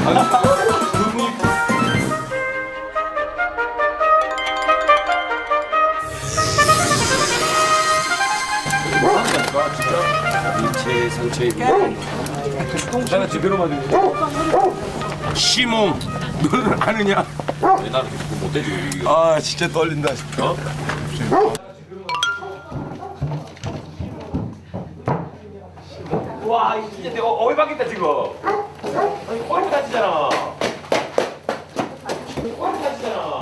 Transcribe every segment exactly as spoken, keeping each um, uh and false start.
일체 상처 입고 내가 제대로 맞은 시몽 너는 아느냐? 왜 나는 그거 못해지 이거. 아 진짜 떨린다. 어? 와 이거 진짜 내가 어이 받겠다 지금. 아니 꼬리 다치잖아. 꼬리 다치잖아.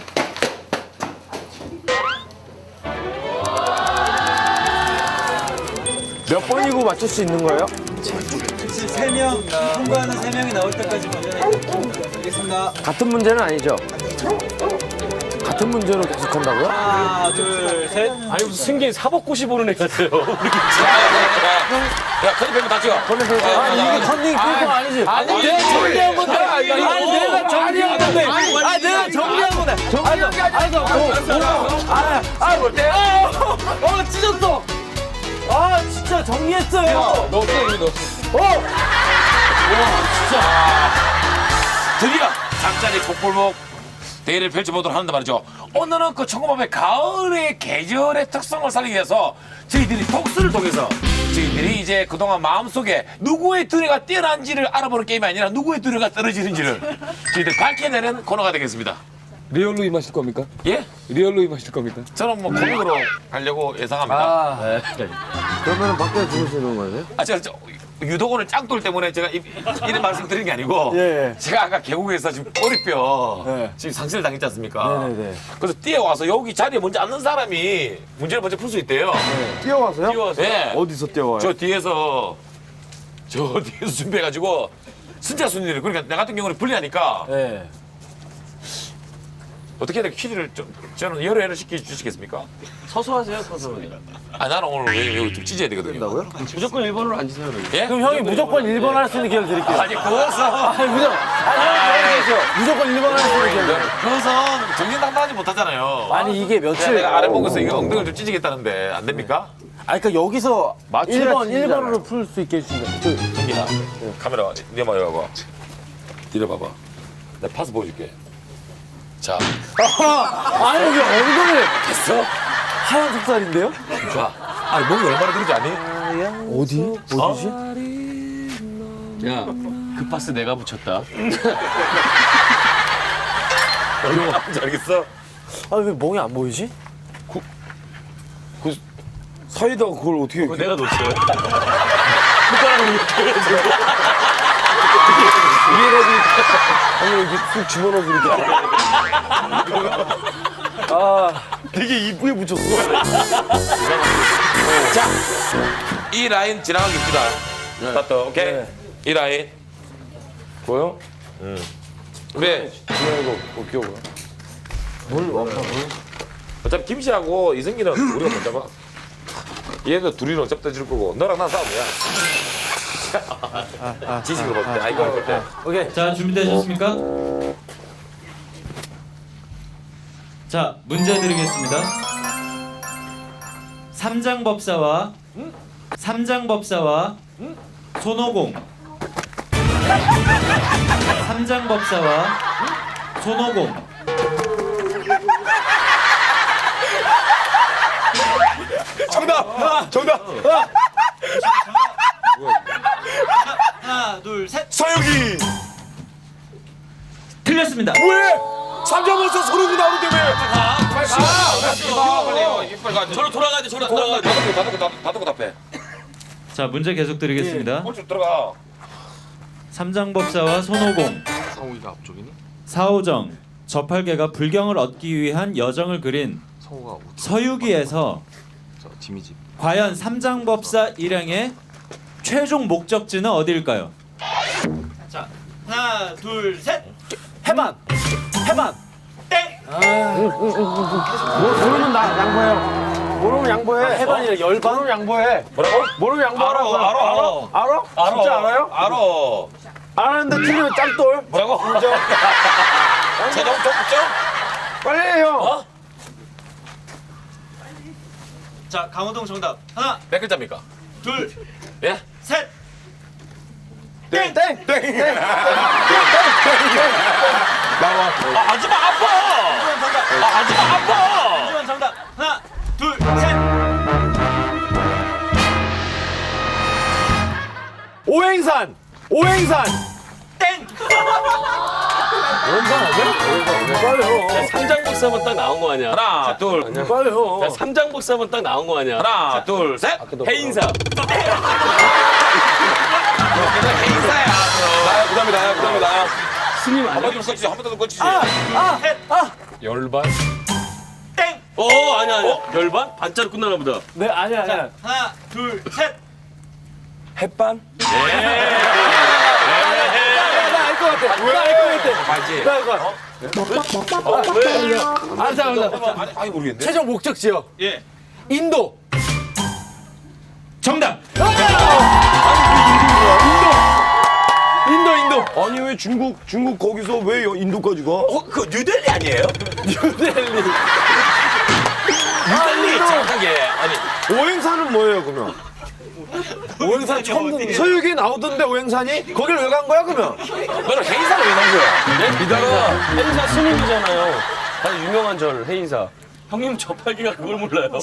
몇 번이고 맞출 수 있는 거예요? 세 명, 통과하는 세 명이 나올 때까지 알겠습니다. 같은 문제는 아니죠? 같은 문제로 계속 한다고요? 하나, 둘, 셋. 아니 무슨 승객 사법고시 보는 애 같아요. 야 컨닝 펜 다치고. 아니 이게 컨닝 필거 아니지? 아니 내가 정리한 건데. 아니 내가 정리한 건데. 아니 내가 정리한 건데. 정리한 게 아니라. 아아뭘 때? 어 찢었어. 아 진짜 정리했어요. 너 어떻게 이거 너? 어. 드디어 잠자리 복불복 대회를 펼쳐보도록 하는데 말이죠. 오늘은 그 천구백의 가을의 계절의 특성을 살리기 위해서 저희들이 독서를 통해서 저희들이 이제 그동안 마음속에 누구의 두뇌가 뛰어난지를 알아보는 게임이 아니라 누구의 두뇌가 떨어지는지를 저희들 밝혀내는 코너가 되겠습니다. 리얼로 임하실 겁니까? 예? 리얼로 임하실 겁니까? 저는 뭐 코믹으로 가려고 예상합니다. 아, 그러면 밖에 주무시는 거예요? 아, 제가 저, 유독 오늘 짱돌 때문에 제가 이, 이런 말씀 드린 게 아니고 예. 제가 아까 계곡에서 지금 꼬리뼈 예. 지금 상실을 당했지 않습니까? 네네네. 그래서 뛰어와서 여기 자리에 먼저 앉는 사람이 문제를 먼저 풀 수 있대요. 뛰어와서요? 뛰어와서. 네. 어디서 뛰어와요? 저 뒤에서 저 뒤에서 준비해가지고 진짜 순위를 그러니까 나 같은 경우는 불리하니까 네. 어떻게 해야 돼? 퀴즈를 좀 저는 여러 회를 시켜 주시겠습니까? 서서 하세요 서서. 아 나는 오늘 왜 여기 좀 찢어야 되거든요. 된다고요? 무조건 일 번으로 앉으세요. 그러면. 예? 그럼 형이 무조건 일 번 할 수 있는 기회를 드릴게요. 아니 그것은 아니 무조건 아니 형이 무조건 일 번 할 수 있는 기회를. 그것은 정신당당하지 못하잖아요. 아니 이게 내가, 며칠 내가 아래 보고서 이거 엉덩이를 좀 찢어겠다는데 안 됩니까? 아니 그러니까 여기서 일 번 일 찢어잖아요. 번으로 풀 수 있게 해주신다. 그, 정기야 카메라 네 마이 봐봐. 뒤려봐봐. 내가 파스 보여줄게. 자 아니 이게 엉덩이를 됐어? 하얀 속살인데요? 좋아. 아니 목이 얼마나 들은지 아니? 어디? 어디지? 야, 그 파스 내가 붙였다. 얼마나 아픈지 알겠어? 아니 왜 멍이 안 보이지? 그 사이다가 그걸 어떻게? 그거 내가 놓쳐요. 아니 여기 쑥 집어넣어서 이렇게. 아 되게 이쁘게 붙였어. 자, 이 라인 지나가겠습니다. 스타트, 오케이? 네. 이 라인. 보여? 왜? 이거 어떻게 보여? 뭘 와파 뭘? 어차피 김씨하고 이승기는 우리가 먼저 봐. 얘도 둘이는 어차피 떠질 거고, 너랑 난 싸움이야. 지식으로 볼 때, 아, 이거 볼 때. 오케이. 자, 준비되셨습니까? 자, 문제 드리겠습니다. 삼장법사와 삼장법사와 손오공 삼장법사와 손오공 정답! 정답! 하나, 둘, 셋. 서영이! 틀렸습니다. 왜? 삼자벌써 소름이 나오는데 왜? 아, 빨리 가! 빨리 가! 빨리 가! 저로 돌아가야 돼. 저로 돌아가야 돼. 다 듣고, 다 듣고, 다 듣고 답해. 자, 문제 계속 드리겠습니다. 꼴쭉 들어가. 삼장법사와 손오공 상욱이가 앞쪽이니? 사오정 저팔계가 불경을 얻기 위한 여정을 그린 성우가 서유기에서 저 지미집. 과연 삼장법사 일행의 최종 목적지는 어디일까요? 자, 하나, 둘, 셋. 해반. 해반. 땡. 뭐 모르면 나 양보해요. 모르면 양보해. 해반이래 열반. 모르면 양보해. 뭐라고? 모르면 양보하라고. 알아, 알아, 알아? 알아. 진짜 알아요? 알아. 알았는데 틀리면 짱돌. 뭐라고? 최종 목적? 빨리 해요. 어? 자, 강호동 정답. 하나, 몇 글자입니까? 둘, 예? 셋. 땡. 땡. 땡. 땡. 아, 하지마 아파. 아, 하지마 아파. 김주환 정답. 하나, 둘, 셋. 오행산. 오행산. 땡. 삼장복사만 딱 나온 거 아니야? 하나, 둘, 빨리요. 야, 삼장복사만 딱 나온 거 아니야? 하나, 둘, 셋. 해인사. 그냥 행사야. 나야 부담이 나야 부담이 나야. 스님 아니야? 한번더 꺼치지, 한 번 더 꺼치지. 열반? 땡. 어 아니야 아니야. 열반? 반자로 끝나나 보다. 네 아니야 아니야. 하나, 둘, 셋. 햇반. 나알것 같아. 나알것 같아. 알지? 나알것 같아. 왜? 알았어 알았어. 아니, 아니 모르겠네. 최종 목적 지역. 예. 인도. 정답. 인도 인도. 아니 왜 중국 중국 거기서 왜 여- 인도까지 가? 어, 그 뉴델리 아니에요? 뉴델리. 뉴델리 정확하게. 아니, 오행산은 뭐예요 그러면? 오행산 처음 듣는. 서유기 나오던데 오행산이? 거길 왜 간 거야 그러면? 너는 행사를 왜 나온 거야? 이따가 해인사 스님이잖아요. 아주 유명한 절 해인사. 형님 저팔기가 그걸 몰라요.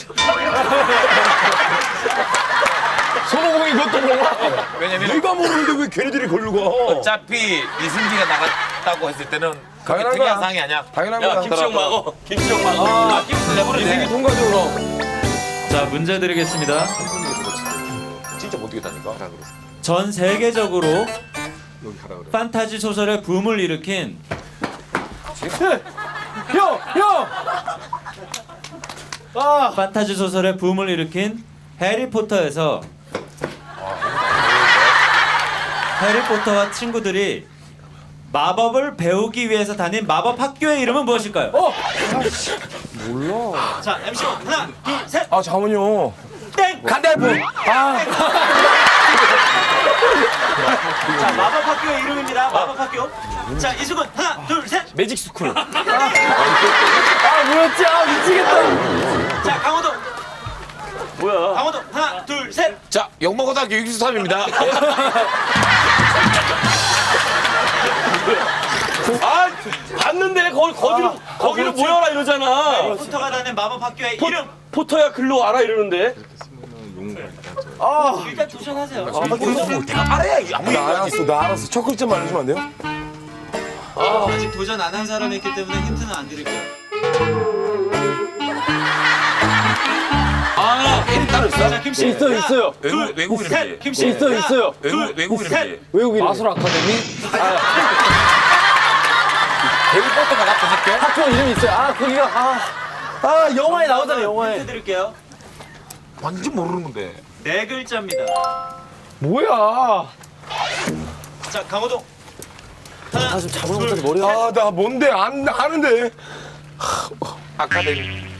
손오공이 그것도 몰라? 왜냐면 내가 모르는데 왜 걔네들이 걸로 가? 어차피 이승기가 나갔다고 했을 때는 그게 당연한 특이한 거야. 상황이 아니야. 당연한 야 거야. 김치형 막어. 김치형 막어. 아, 김치 내버리네. 통과적으로. 자, 문제 드리겠습니다. 진짜 못 되겠다니까. 전 세계적으로 판타지 소설의 붐을 일으킨 형 형. 아. 판타지 소설의 붐을 일으킨 해리포터에서 해리포터와 친구들이 마법을 배우기 위해서 다닌 마법 학교의 이름은 무엇일까요? 어. 자, 엠씨 하나, 둘, 셋. 아 잠깐만요. 땡. 간달프. 아. 자, 마법 학교의 이름입니다. 마법 학교. 자, 이수근 하나, 둘, 셋. 매직 스쿨. 아 뭐였지? 아 미치겠다. 자, 강호동. 뭐야? 강호동 하나, 둘, 셋. 자, 영모고등학교 육십삼입니다. 아 봤는데 거기 거기로 거기로 모여라 이러잖아. 포터가 다닌 마법 학교의 이름. 포터야 글로 와라 이러는데. 일단 도전하세요. 내가 알아야 아무 나 알았어 나 알았어. 첫 글자만 알려주면 안 돼요? 아직 도전 안 한 사람이 있기 때문에 힌트는 안 드릴게요. 아, 애니 따로 있어? 자, 김씨. 있어요, 하나, 있어요. 외국 외국 셋. 이름이지. 김씨. 있어요 하나, 있어요. 외국 외국 이름이지. 외국 이름. 마술 아카데미? 해리포터가 나쁜 학교? 학교 이름이 있어요. 아 거기가 아. 아 영화에 나오잖아 영화에. 힌트 드릴게요. 완전 모르는 건데. 네 글자입니다. 뭐야? 자, 강호동. 하나, 아 지금 잡을 못해서 머리가. 아 나 뭔데 안 아는데. 아카데미.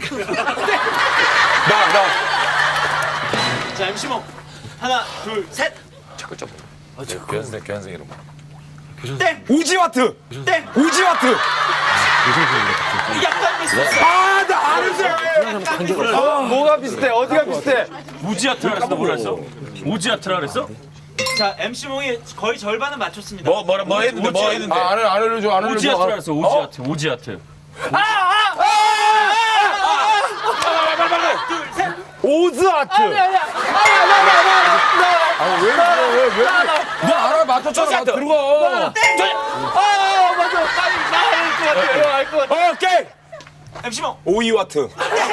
나 나. 자, 엠씨몽. 하나, 둘, 셋. 첫 글자 뭐? 교환생 교환생 이름. 땡. 우지와트. 땡. 우지와트. 약간 비슷했어. 아 나 아는데. 어, 뭐가 비슷해? 어디가 비슷해? 우지아트라 그랬어. 뭐라 했어? 우지아트라 그랬어? 자, 엠씨몽이 거의 절반은 맞췄습니다. 뭐 뭐라 뭐 했는데 뭐 했는데. 아 안 알려줘 안 알려줘. 우지아트라 그랬어. 우지아트. 우지아트. 둘, 셋. 오즈아트. 아왜 그래 왜왜 너 알아 맞췄잖아. 나 들어가. 아 맞아. 나알것 같아. 알것 같아. 오케이. 엠씨몽. 오이와트.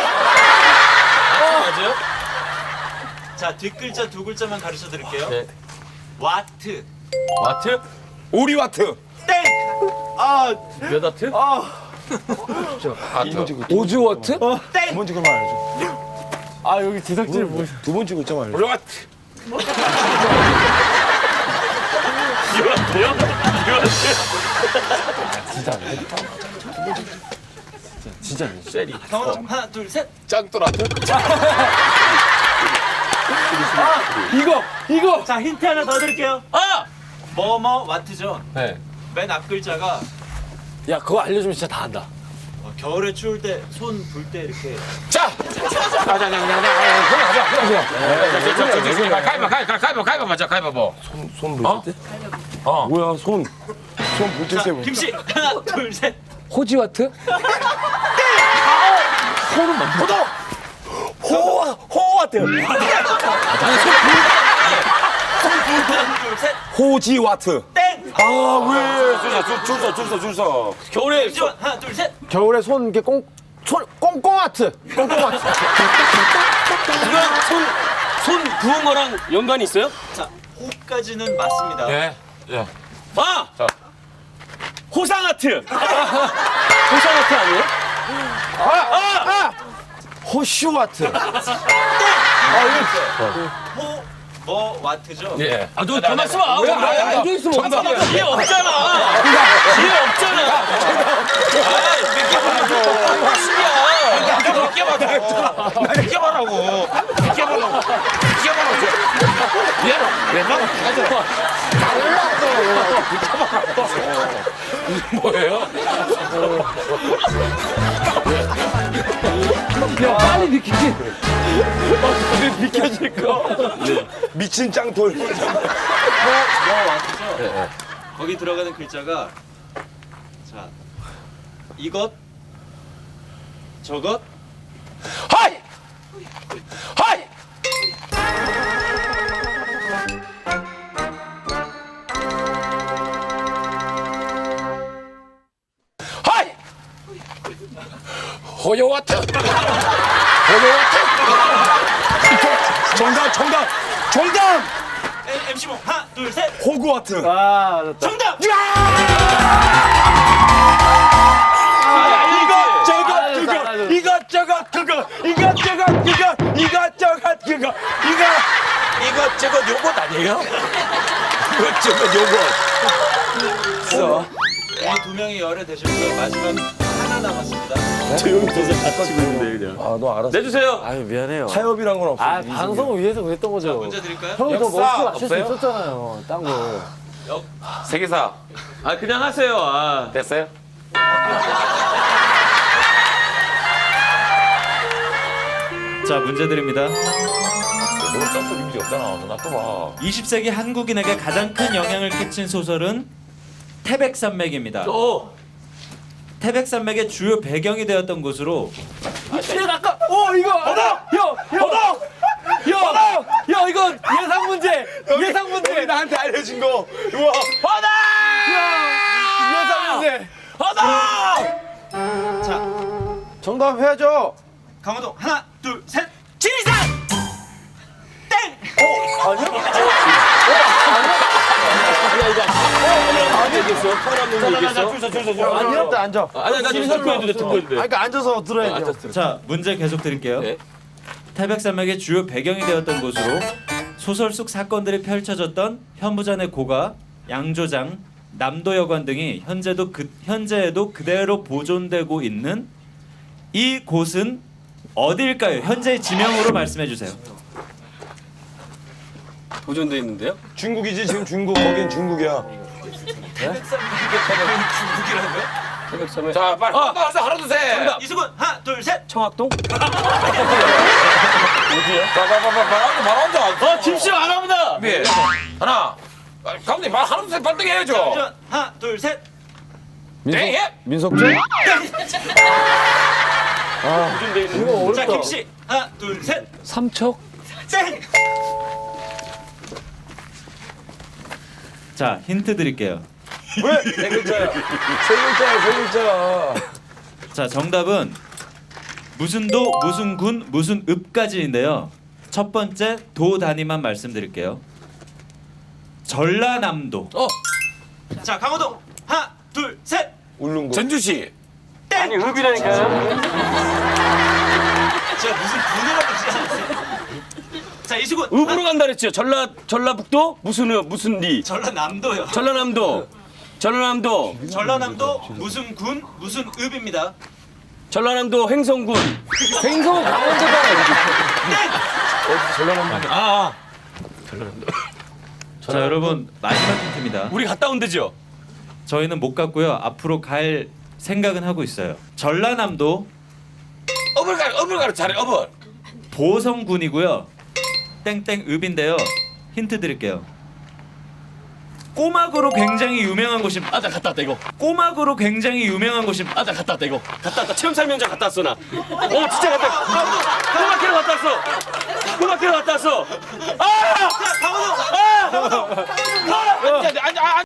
맞아요? 자, 뒷글자 두 글자만 가르쳐 드릴게요. 네. 와트. 와트? 오리와트. 땡. 몇 와트? 오즈와트? 땡. 두 번째 글만 알려줘. 아 여기 제작진이 뭐. 두 번째 글자만 알려줘. 올라왔. 유아트요? 유아트? 진짜. 쉐리. 강호동 하나, 둘, 셋. 짱돌아트. 이거 이거. 자, 힌트 하나 더 드릴게요. 아! 뭐뭐 와트죠. 네. 맨 앞 글자가 야 그거 알려주면 진짜 다 안다. 어, 겨울에 추울 때 손 불 때 이렇게. 자. 가위바 가위바 가위바 가위바 맞아 가위바 뭐. 손 보실 때? 어. 뭐야 손. 손 볼때 자, 세 번. 김씨 하나, 둘, 셋. 호지와트? 호 호와트. 호지와트. 줄서줄서줄서줄서 겨울에 하나 둘 셋. 겨울에 손 이렇게 꽁, 손, 꽁꽁아트. 꽁꽁아트. 이건 손, 손 부은 거랑 연관이 있어요? 자, 호까지는 맞습니다. 예. 예. 아! 자. 호상아트. 호상아트 아니에요? 호슈아트. 호, 뭐 와트죠? 예. 아, 너 가만 있어봐. 왜 앉아 있으면 어떡해? 뒤에 없잖아. 뒤에 없잖아. 아, 몇개 봐라고. 확실이야. 몇개 봐라. 몇개 봐라고. 몇개 봐라고. 몇개 봐라고. 얘는 왜 막? 뭐예요? 야 빨리 비키지. 미친 짱돌. 뭐 와트죠? 거기 들어가는 글자가 자, 이것, 저것, 하이! 하이! 하이! 호요와트! 호요와트! 정답, 정답, 정답! 엠씨몽 하나, 둘, 셋. 호구와트. 아, 됐다. 정답! 이것저것 그거, 이것저것 그거, 이것저것 그거, 이것저것 그거, 이거. 이것저것 요것 아니에요? 이것저것 요것. 이 두 명이 열애되셔서 마지막 하나 남았습니다. 아너 알았어. 내주세요. 아유 미안해요. 타협이란 건 없어. 아 방송을 위해서 그랬던 거죠. 문제 드릴까요? 형이 더 역사 멋지게 맞출 수 없어요? 있었잖아요. 딴 거. 세계사 아, 그냥 하세요. 아. 됐어요? 자, 문제 드립니다. 너 점프 이미지 없잖아. 너 놔둬봐. 이십 세기 한국인에게 가장 큰 영향을 끼친 소설은 태백산맥입니다. 어. 태백산맥의 주요 배경이 되었던 곳으로 어 이거. 허덕. 형. 허덕. 형. 형 이거 예상 문제. 예상 문제. 나한테 알려준 거. 우와. 예상 문제. 자, 정답 해야죠. 강호동 하나, 둘, 셋. 지리산. 땡. 아니었다, 앉아. 아니, 나 지금 듣고 해도 돼. 듣고 해도 돼. 아, 그러니까 앉아서 들어야죠. 자, 문제 계속 드릴게요. 네. 태백산맥의 주요 배경이 되었던 곳으로 소설 속 사건들이 펼쳐졌던 현무잔의 고가, 양조장, 남도여관 등이 현재도 그, 현재에도 그대로 보존되고 있는 이 곳은 어디일까요? 현재의 지명으로 말씀해 주세요. 보존돼 있는데요? 중국이지, 지금 중국. 거긴 중국이야. 자, 빨리. 하나, 둘, 셋. 하나, 둘, 셋. 이수근 하나, 둘, 셋. 청학동? 자, 빨리, 빨리, 빨리, 빨리, 바로 앉아. 어, 김씨 안 합니다. 네. 하나. 빨리, 감독님, 말 하나, 둘, 셋, 발등에 해야죠. 이전 하나, 둘, 셋. 네, 예. 민석준? 자, 김씨 하나, 둘, 셋. 삼척. 땡. 자, 힌트 드릴게요. 왜? 세 글자야. 세 글자야, 세 글자. 자, 정답은 무슨 도, 무슨 군, 무슨 읍까지인데요. 첫 번째 도 단위만 말씀드릴게요. 전라남도. 어, 자, 강호동 하나, 둘, 셋. 울릉도. 전주시. 아니, 읍이라니까요. 제가 무슨 분해라고 그러지 않았어요? 자, 이수근 읍으로 간다 그랬죠. 전라 전라북도 무슨 읍 무슨 리. 전라남도요. 전라남도. 전라남도. 전라남도 무슨 군 무슨 읍입니다. 전라남도 횡성군. 생선 강원도가 아, 자, 여러분 마지막 힌트입니다. 우리 갔다 온 데죠. 저희는 못 갔고요. 앞으로 갈 생각은 하고 있어요. 전라남도 업을 가라, 업을 가라, 잘해, 업을. 보성군이고요. 땡땡 읍인데요. 힌트 드릴게요. 꼬막으로 굉장히 유명한 곳이 아, 나 갔다 왔다, 이거. 꼬막으로 굉장히 유명한 곳이 아, 나 갔다 왔다, 이거. 갔다 왔다. 체험 설명장 갔다 왔어, 나. 어, 진짜 갔다 왔어. 꼬막캐러 갔다 왔어. 꼬막캐러 갔다 왔어. 아! 아!